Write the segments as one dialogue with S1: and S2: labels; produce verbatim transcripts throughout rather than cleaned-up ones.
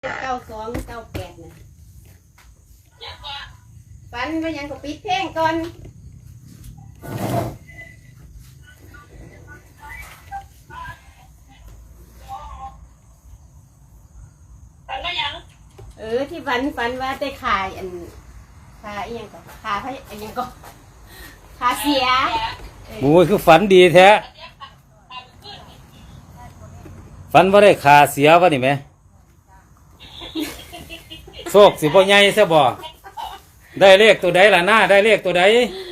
S1: เก้าสองเก้าแปดนะฝันว่ายังก็ปิดเพลงก่อน
S2: ฝันว่ายัง
S1: เออที่ฝันฝันว่าได้ขายอันขาอีหยังก็ขาพระอีหยังก็ขาเสีย
S3: โอ้ยคือฝันดีแท้ฝันว่าได้ขาเสียวะนี่ไหมโชคสิบ่ใหญ่ซะบ่ได้เลขตัวใดล่ะหน้าได้เลขตัวใด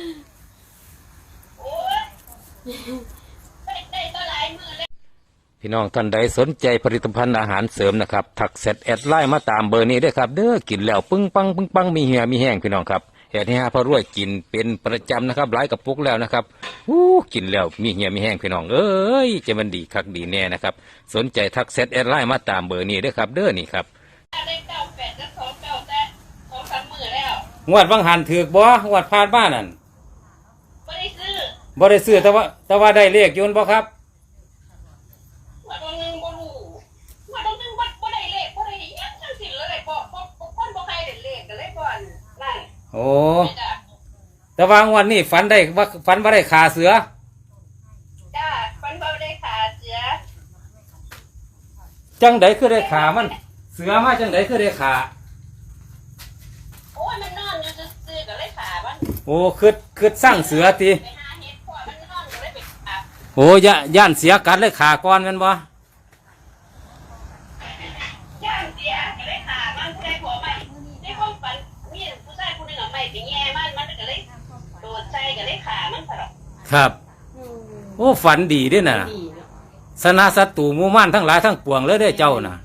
S3: พี่น้องท่านใดสนใจผลิตภัณฑ์อาหารเสริมนะครับถักเสร็จแอดไลน์มาตามเบอร์นี้ด้วยครับเด้อกินแล้วปึ้งปังปึ้งปังมีเหี่ยมีแห้งพี่น้องครับแอดให้หาพระรวยกินเป็นประจำนะครับหลายกระปุกแล้วนะครับอู้กินแล้วมีเหี่ยมีแห้งพี่น้องเอ้ยจะมันดีคักดีแน่นะครับสนใจทักเซตแอดไลน์มาตามเบอร์นี้ด้วยครับเด้อนี่ครับ
S2: ได้เก้าแปดก็สองเก้าแต่สองสามหมื่นแล้ว
S3: งวดบางหันถือบ่งวดผ่านบ้านนั่น
S2: ไม่ได้ซื้อ
S3: บ่ได้ซื้อแต่ว่าแต่ว่าได้เลขยนต์บ่ครับ
S2: ว่าตรงนึงบ่รู้ว่าตรงนึงบ่บ่ได้เลขบ่ได้ยังจังสิเลยบ่บ่บ่คนบ่ใครได้เลขก็เลยบ่อันนั่น
S3: โอ้แต่ว่างวดนี้ฝันได้ว่าฝันว่าได้ขาเสือ
S2: จ้าฝันว่าได้ขาเสือ
S3: จังไดคือได้ขามันเสือมาจังไดคือได้ขา
S2: โอ้ยมันนอนอยู่ซื่อๆก็เลยขามัน
S3: โอ้คือคือสร้างเสือติ
S2: ไปหาเห็ดพ่อมันนอนก็เลยไปขา
S3: โอ้ยย่านเสียกัดเลยขาก่อนแม่นบ่
S2: ย่านเสียก็เลยขามันผู้ใดขอไม่ในความฝันมีผู้ชายผู้หนึงเอาไม้ไปแย่มันมันก็เลยโดดใส่ก็เลยขามันซะดอก
S3: ครับโอ้ฝันดีเด้น่ะสนะศัตรูหมู่ม่านทั้งหลายทั้งปวงเลยเด้อเจ้าน่ะ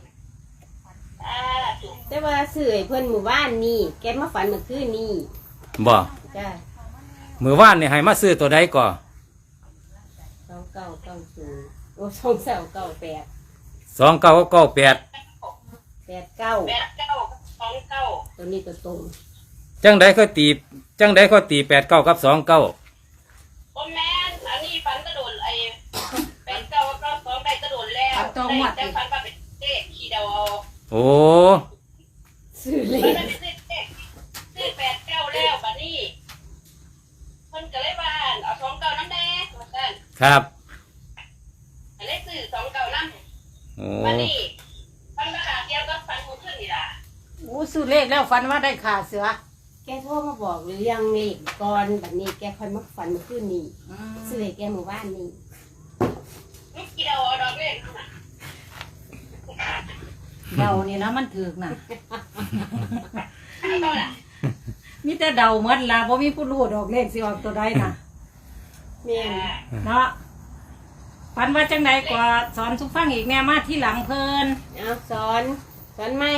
S1: แต่ว่าสื่อเพิ่นหมู่บ้านนี่แกมาฝันเมื่อคืนนี่
S3: บ่
S1: จ้า
S3: มื้อวานนี่ให้มาซื้อตัวใดก่อ
S1: สองเก้าเก้าศูนย์โอ้สองเก้าเก้าแปด
S3: สองเก้าเก้าแปด
S1: แปดเก้า
S2: แปดเก้าสองเก้า
S1: ตัวนี้ตัวตรง
S3: จังไดก็ตีจังไดก็ตีแปดเก้ากับสองเก้า
S2: โอ้แม่นอันนี้ฝันกระโดดไอ้แปดเก้าเก้าสองได้กระโดดแล้วได้แต่ฝันว่าเป็นเลขขี่ดาว
S3: โอ้
S1: ซื้อเลข
S2: ซื้อเลขซื้อแปดเก้าแล้วบัดนี้เพิ่นก็เลยว่าเอาสองเก้าน้ำแดงว่าซั่น
S3: ครับ
S2: เลยซื้อสองเก้าน้ำ
S3: โอ้
S2: บัดนี้ฝันว่าขาเดียวก็ฝันหมดขึ้นนี่ล่ะ
S4: โอ้ซื้อเลขแล้วฝันว่าได้ขาเสือ
S1: แกโทรมาบอกหรือยังเลขก่อนแบบนี้แกค่อยมาฝันเมื่อคืนนี้ซื้อเลขแกหมู่บ้านนี่
S2: ลูกเกี่ยวเอาดอกเลขน่ะ
S4: เดานี่นะมันถือกน่ะ
S2: เอาล่ะ
S4: มีแต่เดาหมดล่ะบ่มีผู้รู้ดอกเลขสิออกตัวใดน่ะ
S1: แม่
S4: เนาะฝันว่าจังไดก็สอนสุฟังอีกแน่มาที่หลังเพิ่น
S1: เอาสอนสอนไหม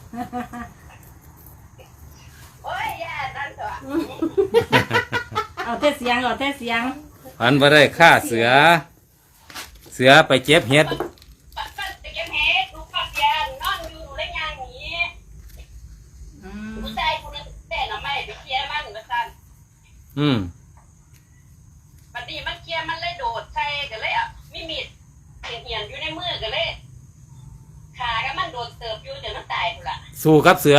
S2: โอ้ยย่านั่นเถอะ
S4: เอาแต่เสียงเอาแต่เสียง
S3: ฝันว่าได้ฆ่าเสือเสือไปเจ็บเห็ด
S2: ไปเก็บเห็ดลูกปักยานนอนอยู่ได้ยางหนีผู้ชายคนนึงแต่หน่อไม้ไปเคลียร์มันมาสั่น
S3: อืม
S2: บัดนี้มันเคลียร์มันเลยโดดใส่กันเลยอ่ะมีมีดเหี่ยนเหี่ยนอยู่ในมือกันเลยขาก็มันโดดเติบอยู่จนมันตายพุ่นล่ะ
S3: สู้กับเสือ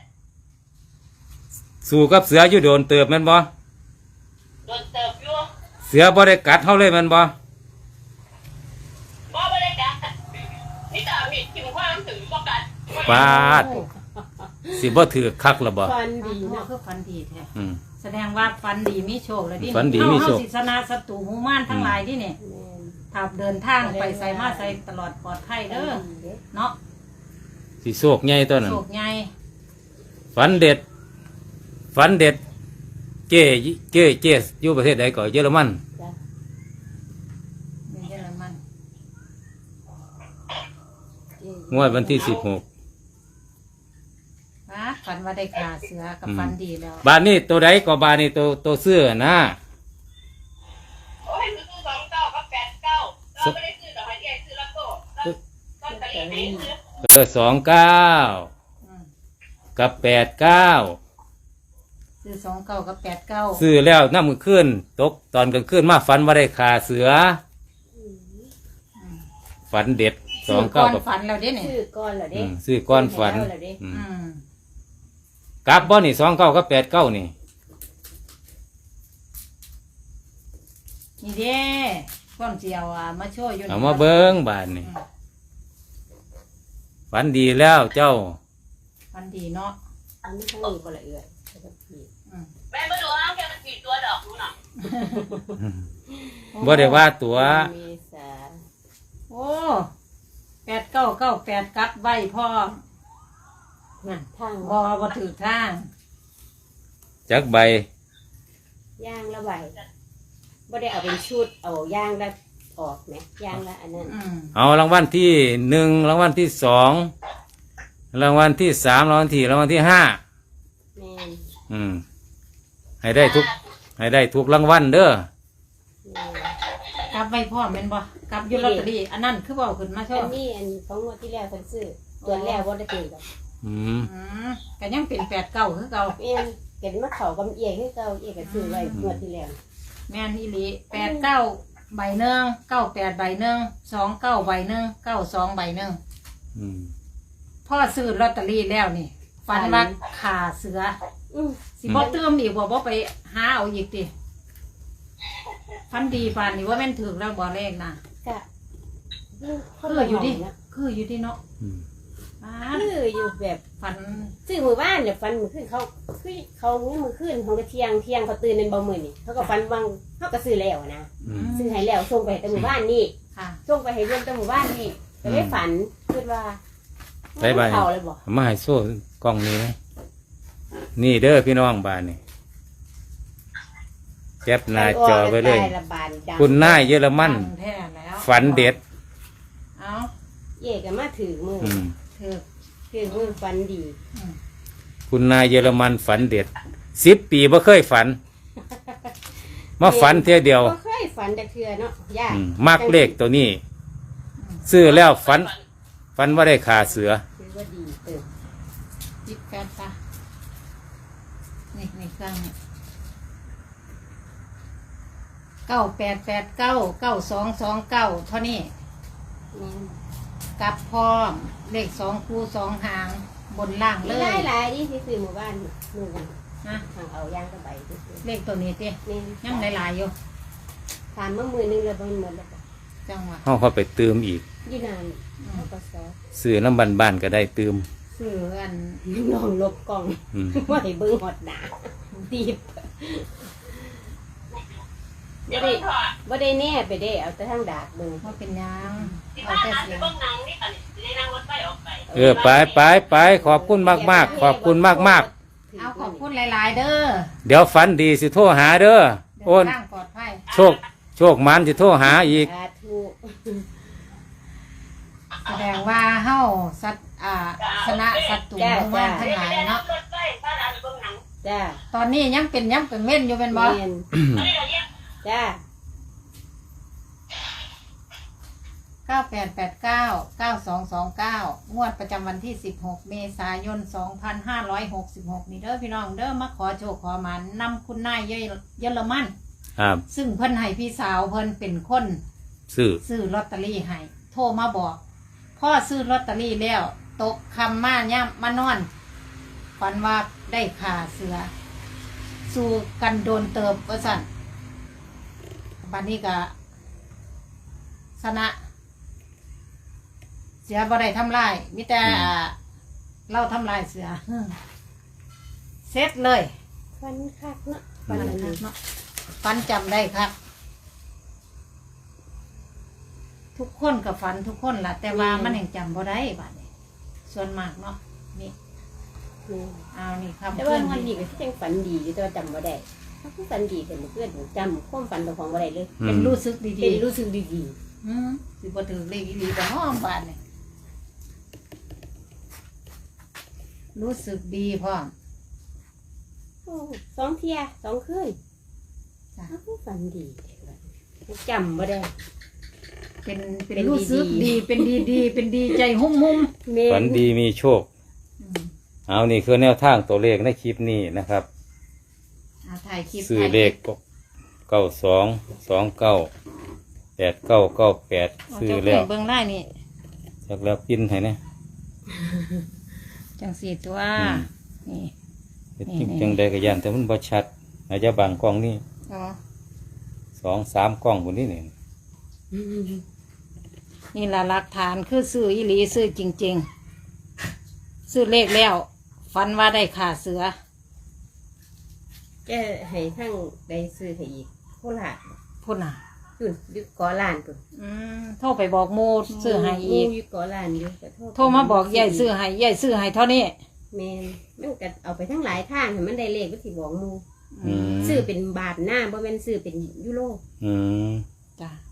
S3: สู้กับเสืออยู่โดนเติบแม่นบ่
S2: โดนเติบอยู่
S3: เสือบ่ได้กัดเฮาเลยแม่นบ่
S2: บ่บ่ได้กัดนี่ตามีดทิ่มขวางถึงบ่กัด
S3: ปาดสิบ่ถือคักละบ่
S1: ฝันดี
S4: เนาะ
S1: เนาะ
S4: คือฝันดีแท้
S3: อืม
S4: แสดงว่าฝันดีมีโชคแล้วดิ
S3: ฝันดีมีโชค
S4: เฮาสิชนะศัตรูหมู่ม่านทั้งหลายดิเนี่ยถ้าเดินทางไปไสมาไสตลอดปลอดภัยเด้อเนาะ
S3: สิโชคใหญ่ตัวนั้น
S4: โชคใหญ่
S3: ฝันเด็ดฝันเด็ดเจ้เจ้เจ้อยู่ประเทศใดก่อนเยอรมัน
S4: เยอรมัน
S3: งวดวันที่สิบหก
S4: นะฝันว่าได้ขาเสือกับฝันดีแล้ว
S3: บ้านนี้ตัวใดก็บ้านนี้ตัวตัวเสื้อนะ
S2: โอ้ยซื้อสองเก้ากับแปดเก้าเราไม่ได้ซื้อดอกไม้ใหญ่ซื้อละโก้ต้นตะลีไม่ซื้อ
S3: เออสองเก้ากับแปดเก้า
S4: ซื้อสองเก้ากับแปดเก้า
S3: ซื้อแล้วน้ำมือขึ้นตกตอนกลางคืนมาฝันว่าได้ขาเสือฝันเด็ดสองเก้า
S4: ก่อน
S3: กับ
S4: ฝันแล้วเด้เนี่ย
S1: ซื้อก่อนเหรอ
S3: อื
S1: เด้
S3: มซื้อก้อนฝัน
S1: ซื้อให้แล้วเหรอเด้
S3: อืม
S4: อืม
S3: กลับบ่นี่สองเก้ากับแปดเก้านี่
S4: นี่เด้ก้อนเจียวอ่ะมาช่วยอยู่นี่
S3: เอามาเบิ้งบานนี่ฝันดีแล้วเจ้า
S4: ฝันดีเนาะ
S1: อันนี้ทั้งนี้บ่ละเอียดแล้วก็ผิด
S4: อืม
S2: แม่มาดูห้างแค่มันกี่ตัวดอกนู่นน่ะ
S3: บ่ได้ว่าตัว
S1: เมษา
S4: โอ้แปดเก้าเก้าแปดกัดไว้พ่อ
S1: น่ะทาง
S4: บอบ่ถือทาง
S3: จักใบ
S1: ย่างละใบบ่ได้เอาเป็นชุดเอาย่างละออกไหมย่างละอันนั้น
S4: อืม
S3: เอารางวัลที่หนึ่งรางวัลที่สองรางวัลที่สามรางวัลที่รางวัลที่ห้า
S1: แม่น
S3: อืม ให้ได้ทุก ให้ได้ทุกรางวัลเด้อ
S1: แม่น
S4: กลับไว้พ่อแม่นบ่กลับอยูลอตเตอรี่อันนั้นคือเบาขึ้นมาช่ว
S1: อันนี้อันของงวดที่แล้วเพิ่นซื้อตัวแล้วบ่ได้ตีดอก
S3: อืม
S4: อืมก็ยังเป็นแปดเก้าคือเก่า
S1: แม่นเก็บมาเข้ากับเอียคือเก่าเอียก็ซื้อไว้งวดที่แล้ว
S4: แม่นอีหลีแปดเก้าใบหนึ่งเก้าแปดใบหนึ่งสองเก้าใบหนึ่งเก้าสองใบหนึ่ง
S3: อืม
S4: พ่อซื้อลอตเตอรี่แล้วนี่ฝันว่าขาเสือ
S1: อือ
S4: สิบ่เติมอีกบ่บ่ไปหาเอาอีกติฝันดีฝันนี่ว่าแม่นถึงแล้วบ่เลขนะ
S1: กะ
S4: คืออยู่ดิคืออยู่ดิเนาะ
S3: อืม
S4: อ่า
S1: คืออยู่แบบ
S4: ฝัน
S1: ซื้อมือบ้านเนี่ยฟันมือขึ้นเขาคือเขาเงี้ยมือขึ้นเขาก็เที่ยงเที่ยงเขาตื่นในบ่มือนี่เขาก็ฟันวังเขาก็ซื้อแล้วนะ
S3: อืม
S1: ซื้อให้แล้วส่งไปให้แต่หมู่บ้านนี่
S4: ค่ะ
S1: ส่งไปให้เรื่องแต่หมู่บ้านนี่ก็ได้ฝันคิดว่า
S3: ได้ใบ
S1: เขาเลยบอก
S3: เอามาให้โซ่กล้องนี้นะนี่เด้อพี่น้องบ้านนี่แคปหน้าจอไว้เลย
S1: ด้ระบาดดัง
S3: คุณนายเยอรมัน
S4: ฝัแท้แล้ว
S3: ฝันเด็ด
S4: เอา
S1: เย่ก็มาถือมือ
S3: อืม
S4: ถือ
S1: ถือมือฝันดี
S4: อืม
S3: คุณนายเยอรมันฝันเด็ดสิบปีบ่เคยฝัน มาฝันเท่ยเดียว
S1: ก็เคยฝันแต่เทือเนาะยาก
S3: อืมมักเลขตัวนี้ ซื้อแล้วฝัน ฝันว่าได้ขาเสือ
S1: ถือว่าดีเติม
S4: จิบแฟนปะนี่นี่เครื่องนี่เก้าแปดแปดเก้าเก้าสองสองเก้าเท่านี้
S1: นี่
S4: กับพร้อมเลขสองคู่สองหางบนล่างเล
S1: หลาย
S4: ย
S1: หลายๆที่ซื้อหมู่บ้านมือกัน
S4: นะ
S1: ทางเอาย่างกระใบซื้อ
S4: เลขตัวนี้เต้
S1: นี่
S4: ยังหลายๆอยู่
S1: ถามมามือนึงเลยบนหมดแล้วก็
S4: จังหวะ
S3: เขาเข้าไปเติมอีก
S1: ยี่นานเขาก็ซอ
S3: ซื้อน้ำบันบ้านๆก็ได้เติม
S4: ซื้ออัน
S1: ลองลบกล่อง
S3: อืม
S1: ว่าให้เบิ้งหอดหนาดีบ
S2: เดี๋ยวมันถอด
S1: ว่าได้แน่ไปได้เอาแต่ทางดากเบิ้ง
S4: ว่าเป็นหยัง
S2: ที่
S4: เอา
S2: บ้าน
S4: แต่
S2: นั้น
S4: เสี
S2: ไป
S4: ยง
S2: เบิ่งหนังนี่กันจะได้นั่งรถไฟออกไป
S3: เออไปไปไปขอบคุณมากมากๆขอบคุณมากมาก
S4: เอาขอบคุณหลาย ๆ เด้อ
S3: ๆเดี๋ยวฝันดีสิโทรหาเด้อ
S4: เดิ
S3: โอน
S4: ทางปลอดภัย
S3: โชค โชคมันสิโทรหาอีก
S1: สาธุ
S4: แสดงว่าเฮาสัตอ่าชนะศัตรูหมู่บ้านทั้งหลายเนาะ
S2: รถไฟบ้านนั้นไปเบิ่งหนัง
S1: จ้า
S4: ตอนนี้ยังเป็นยังเป็นเม่นอยู่เป็นบ่
S1: แม่น
S2: ตอนนี้เราแยก
S1: จ้า
S4: เก้าแปดแปดเก้า เก้าสองสองเก้า งวดประจำวันที่สิบหกเมษายนสองพันห้าร้อยหกสิบหกนี่เด้อพี่น้องเด้อมาขอโชคขอหมานนำคุณนายเยเยอรมัน
S3: ครับ
S4: ซึ่งเพิ่นให้พี่สาวเพิ่นเป็นคน
S3: ซื้อ
S4: ซื้อลอตเตอรี่ให้โทรมาบอกพ่อซื้อลอตเตอรี่แล้ว ตกคำมาย่ำมานอนฝันว่าได้ขาเสือ สู้กันโดนเติบว่าสั่นบัดนี้ก็ชนะ เสือบ่ได้ทำลายมิแต่อ่าเราทำลายเสือเสร็จเลย
S1: ฟันคักเนาะ
S4: ฟั
S1: ฟั
S4: น
S1: นอันนี้
S4: เนาะฟันจำได้ครับ ทุกคนกับฝันทุกคนล่ะ แต่ว่ามันยังจำบ่ได้บัดนี้ส่วนมากเนาะนี่
S1: แม่น
S4: เอานี่ครับ
S1: แต่ว่ามันดีก็ที่ยังฝันดีอยู่แต่ว่าจำบ่ได้ถ้าผู้ฝันดีแต่เพื่อนจำความฝันของบ่ได้เลย
S3: อื
S4: เป็น
S3: ม
S4: รู้สึกดี
S1: เป็นรู้สึกดี
S4: ๆอืมสิบ่ถือเลขอีหลีบ่ห้อมบาดนี่รู้สึกดีพ่อม
S1: ๆโอ้สองเที่ยสองคืน
S4: จ้ะ
S1: ถ้าผู้ฝันดีจำบ่ได้
S4: เป็นเป็น
S1: เป็น
S4: รู้สึก
S1: ดีๆ
S4: ดีเป็นดีดีเป็นดีใจหุ่มหุ่ม
S1: แม่
S3: ฝันดีมีโชค
S4: ๆอืม
S3: เอานี่คือแนวทางตัวเลขในคลิปนี้นะครับ
S4: อ่าถ่ายคลิป
S3: ซื้อ
S4: ถ่ายค
S3: เล
S4: ลิ
S3: ข
S4: ป
S3: เก้าสองสองเก้าแปดเก้าเก้าแปด
S4: เอา
S3: ซื้อ
S4: เจ้า
S3: แล้ว
S4: เบิ่งได้นี่
S3: สจากแล้วปินให้นะ
S4: จังสี่ตัว
S3: อืม
S4: นี่
S3: เฮ็ดจริงจังใดก็ย่านแต่มันบ่ชัดอาจจะบางกล้องนี่
S4: อ๋อ
S3: สองสามกล้องคนนี้นี่
S4: นี่ละหลักฐานคือซื้ออีหลีซื้อจริง ๆ ซื้อเลขแล้วฝันว่าได้ขาเสือ
S1: แกให้ทั้งได้ซื้อให้อีกโคราช
S4: พุ่นน่ะ
S1: พุ่นอยู่เกอลานพุ่น
S4: อืมโทรไปบอกโมซื้อให้อีก
S1: หมู่อยู่เกอลานอยู่ก็โทร
S4: โทรมาบอกยายซื้อให้ยายซื้อให้เท่านี้
S1: แม่นมันก็เอาไปทั้งหลายทางให้มันได้เลขก็สิบอกหมู่
S3: อืม
S1: ซื้อเป็นบาทหน้าบ่แม่นซื้อเป็นยูโร
S3: อืม
S4: จ้ะ